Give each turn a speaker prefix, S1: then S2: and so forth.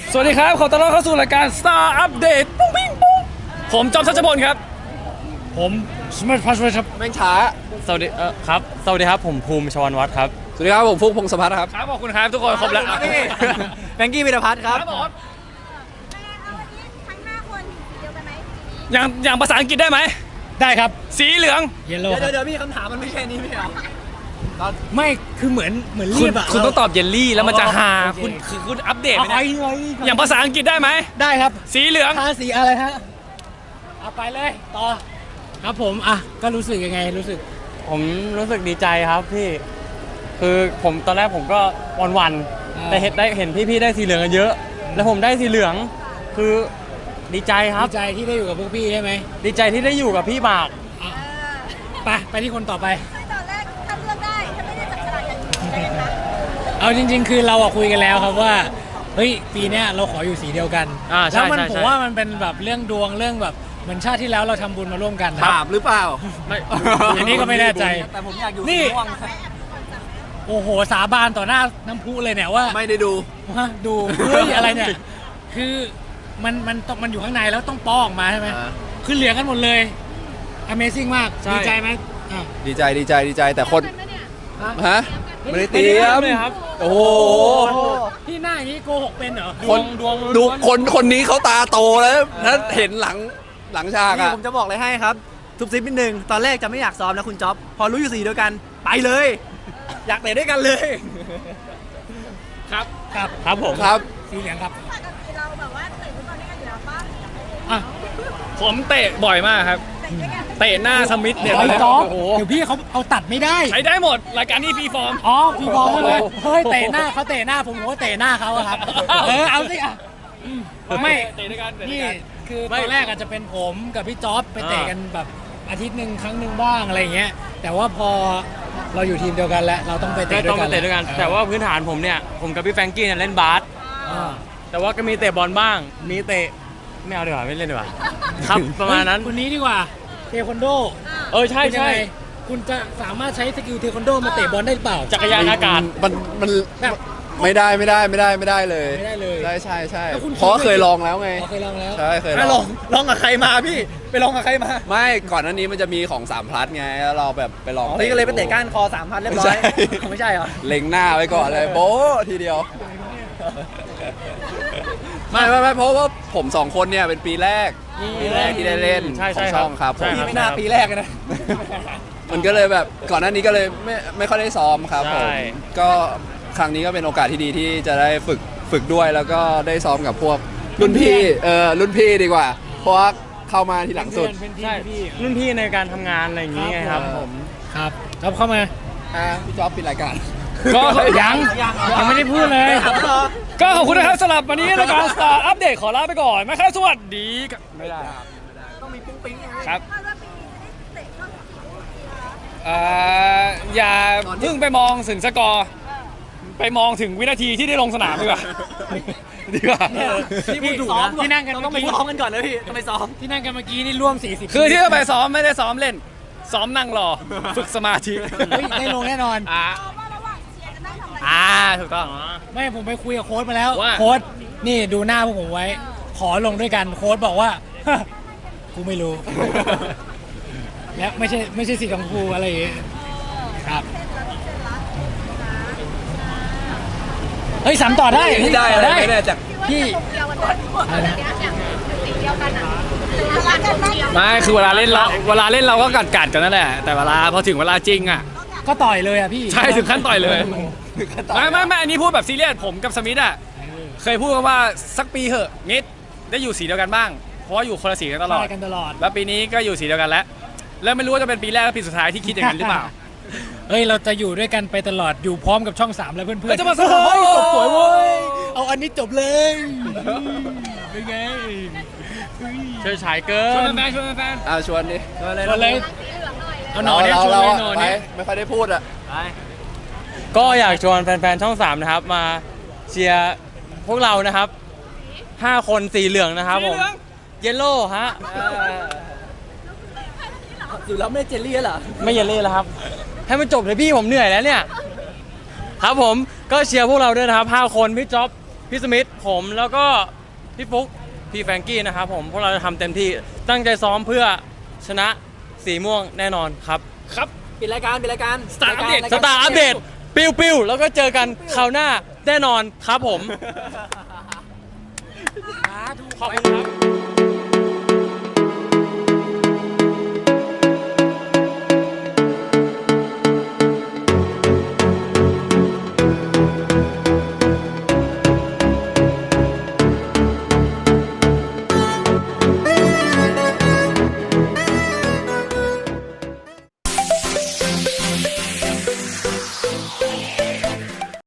S1: สวัสดีครับขอต้อนรับเข้าสู่รายการ Star Update ปุ้งปิ้งปุ้งผมจอมทัชพลครับผมสมัชพัชครับ
S2: แม่งช้า
S3: สวัสดีครับสวัสดีครับผมภูมิชวรวัฒน์ครับ
S2: สวัสดีครับผมฟุกพงศพัฒน์ครับ
S1: ครับขอบคุณครับทุกคนครบแล้ว
S2: แบงกี้วิรพัฒน์ครับ
S4: ทั้ง5คนเดียวกันไหม
S1: อย่างภาษาอังกฤษได้ไหม
S3: ได้ครับ
S1: สีเหลือง
S3: เยลโล่
S2: เดี๋ยวพี่คำถามมันไม่แค่นี้ไม่เหรอ
S3: ไม่คือเหมือนรีบอะ
S1: คุณต้องตอบเยลลี่แล้วมันจะหาคุณอัปเดตไหมอย่างภาษาอังกฤษได้ไหม
S3: ได้ครับ
S1: สีเหลือง
S3: ทาสีอะไรฮะเอาไปเลยต่อครับผมอ่ะก็รู้สึกยังไงผมรู้สึกดีใจครับพี่คือผมตอนแรกผมก็วันแต่เห็นพี่ๆได้สีเหลืองกันเยอะแล้วผมได้สีเหลืองคือดีใจครับดีใจที่ได้อยู่กับพวกพี่ใช่ไหมดีใจที่ได้อยู่กับพี่บากไปที่คนต่อไป
S4: ตอนแรกถ้าเลือกได้ถ้าไม่ได้จับฉลากอย่างนี้ได้ไหม
S3: เอาจริงๆคือเราคุยกันแล้วครับว่าเฮ้ยปีนี้เราขออยู่สีเดียวกันแล้วผมว่ามันเป็นแบบเรื่องดวงเรื่องแบบเหมือนชาติที่แล้วเราทำบุญมาร่วมกัน
S2: บาปหรือเปล่า
S3: ไม่อันนี้ก็ไม่แน่ใจ
S2: แต่ผมอยากอยู่
S3: นี่โอ้โหสาบานต่อหน้าน้ำพุเลยเนี่ยว่า
S2: ไม่ได้ดู
S3: ดูเฮ้ยอะไรเนี่ยคือมันอยู่ข้างในแล้วต้องป้อออกมาใช่ไหมคือเหลืองกันหมดเลย Amazing มากดีใจไหม
S2: ดีใจแต่คนฮะไม่ได้เตรียมโอ้โห
S3: พี่หน้าอย่างนี้โกหกเป็นเหรอ
S2: คนดูคนนี้เขาตาโตแล้วถ้าเห็นหลังฉากอะ
S5: ผมจะบอกเลยให้ครับทุบซิปนิดนึงตอนแรกจะไม่อยากซ้อมนะคุณจ๊อบพอรู้อยู่สีเดียวกันไปเลยอยากเตะด้วยกันเลย
S3: ครับผม
S2: ครับ
S3: สีเหลืองครับ
S4: ปกติเราแบบว่าเตะฟุตบอลด้วยกันอยู่แล้วป่ะ
S1: ผมเตะบ่อยมากครับเตะหน้าสมิธเนี่ย
S3: โอ้โหเดี๋ยวพี่เขาเอาตัดไม่ได้
S1: ใช้ได้หมดรายการนี้ฟรีฟอร์ม
S3: ฟรีฟอร์มเลยเฮ้ยเตะหน้าเขาเตะหน้าผมก็เตะหน้าเขาครับเอาสิอ่ะไม่
S1: เตะด้วยกัน
S3: นี่คือตอนแรกอาจจะเป็นผมกับพี่จ๊อบไปเตะกันแบบอาทิตย์หนึ่งครั้งหนึ่งบ้างอะไรเงี้ยแต่ว่าพอเราอยู่ทีมเดียวกันแล้วเราต้องไปเตะด้วยกันแต่ว่าพื้นฐานผมเนี่ยผมกับพี่แฟรงกี้เนี่ยเล่นบาสแต่ว่าก็มีเตะบอลบ้างมีเตะไม่เอาดีกว่าไม่เล่นดีกว่าครับประมาณนั้นคนนี้ดีกว่าเทควันโดใช่คุณจะสามารถใช้สกิลเทควันโดมาเตะบอลได้หรือเปล่าจักรยานอากาศ
S2: มันไม่ได้เลยใช่เพราะเคยลองแล้วไงใช่เคย
S5: ลองกับใครมาพี่ไปลองกับใครมา
S2: ไม่ก่อนหน้านี้มันจะมีของ3 พลัสไงแล้วเราแบบไปลอง
S5: พี่ก็เลยไปเตะก้านคอ3,000เรียบร้อยไม่ใช่เหรอ
S2: เล็งหน้าไว้ก่อนเลยโบ๊ะทีเดียวไม่เพราะว่าผม2 คนเนี่ยเป็นปีแรกที่ได้เล่นของช่องครับ
S5: พี่ไม่น่าปีแรกนะ
S2: มันก็เลยแบบก่อนหน้านี้ก็เลยไม่ค่อยได้ซ้อมครับผมก็ครั้งนี้ก็เป็นโอกาสที่ดีที่จะได้ฝึกด้วยแล้วก็ได้ซ้อมกับพวกรุ่นพี่ดีกว่าเพราะว่าเข้ามาทีหลังสุด
S3: ใช่รุ่นพี่ในการทำงานอะไรอย่างนี้ไงครับผมครับจ๊อบเข้ามา
S2: พี่จ๊อบปิดรายการ
S1: ก็
S3: ยังไม่ได้พูดเลย
S1: ก็ขอบคุณนะครับสำหรับวันนี้รายการ Star Update ขอลาไปก่อนไหมครับสวัสดีไม่ได้
S5: ต้องมีปุ้งปิ้ง
S1: ครับอย่าเพิ่งไปมองถึงสกอร์ไปมองถึงวินาทีที่ได้ลงสนามดีกว่า
S5: ที่พูดถูกนะที่นั่งกันต้องไปซ้อมกันก่อนนะพี่ต้องไปซ้อม
S3: ที่นั่งกันเมื่อกี้นี่ร่วม40
S1: คือที่จะไปซ้อมไม่ได้ซ้อมเล่นซ้อมนั่งรอฝึกสมาธิ
S3: ได้ลงแน่นอน
S1: ถูกต้อง
S3: ไม่ผมไปคุยกับโค้ชมาแล้วโค้ชนี่ดูหน้าพวกผมไว้ขอลงด้วยกันโค้ชบอกว่ากูไม่รู้และไม่ใช่สีของกูอะไรอย่างเงี้ยครับเฮ้ย3ต่อได้
S2: ไม่ได้จาก
S1: พี่ไม่คือเวลาเล่นเราก็กัดกันนั่นแหละแต่เวลาพอถึงเวลาจริงอ่ะ
S3: ก็ต่อยเลยอ่ะพี่
S1: ใช่ถึงขั้นต่อยเลยไม่อันนี้พูดแบบซีเรียสผมกับสมิธอ่ะเคยพูดกันว่าสักปีเหอะนิดได้อยู่สีเดียวกันบ้างเพราะว่าอยู่คนละสีกันตลอดแล้วปีนี้ก็อยู่สีเดียวกันแล้วไม่รู้ว่าจะเป็นปีแรกหรือปีสุดท้ายที่คิดอย่างนั้นหรือเปล่าเฮ้ยเราจะอยู่ด้วยกันไปตลอดอยู่พร้อมกับช่อง3แล้วเพื่อนๆจะมาสวยจบสวยเว้ยเอาอันนี้จบเลยเป็นไงเชิญฉายเกินชวนแฟน
S2: ชวนดิ
S1: ชวนเลย
S3: เอาหน่อยเนี่ยชวนเลยหน่อยเนี่ย
S2: ไม่ค่อยได้พูดอ่ะ
S3: ก็อยากชวนแฟนๆช่อง3นะครับมาเชียร์พวกเรานะครับ5 คนสีเหลืองนะครับผมเยลโล่ฮะ
S5: อยู่แล้วไม่เจลลี่เหรอ
S3: ไม่เยลลี่แล้วครับให้มันจบเลยพี่ผมเหนื่อยแล้วเนี่ยครับผมก็เชียร์พวกเราด้วยนะครับ5 คนพี่จ๊อบพี่สมิธผมแล้วก็พี่ฟุ๊กพี่แฟรงกี้นะครับผมพวกเราจะทำเต็มที่ตั้งใจซ้อมเพื่อชนะสีม่วงแน่นอนครับครับ
S5: ปิดรายการ
S3: สตาร์อัปเดตปิ้วแล้วก็เจอกันคราวหน้าแน่นอนครับผมขอบคุณครับ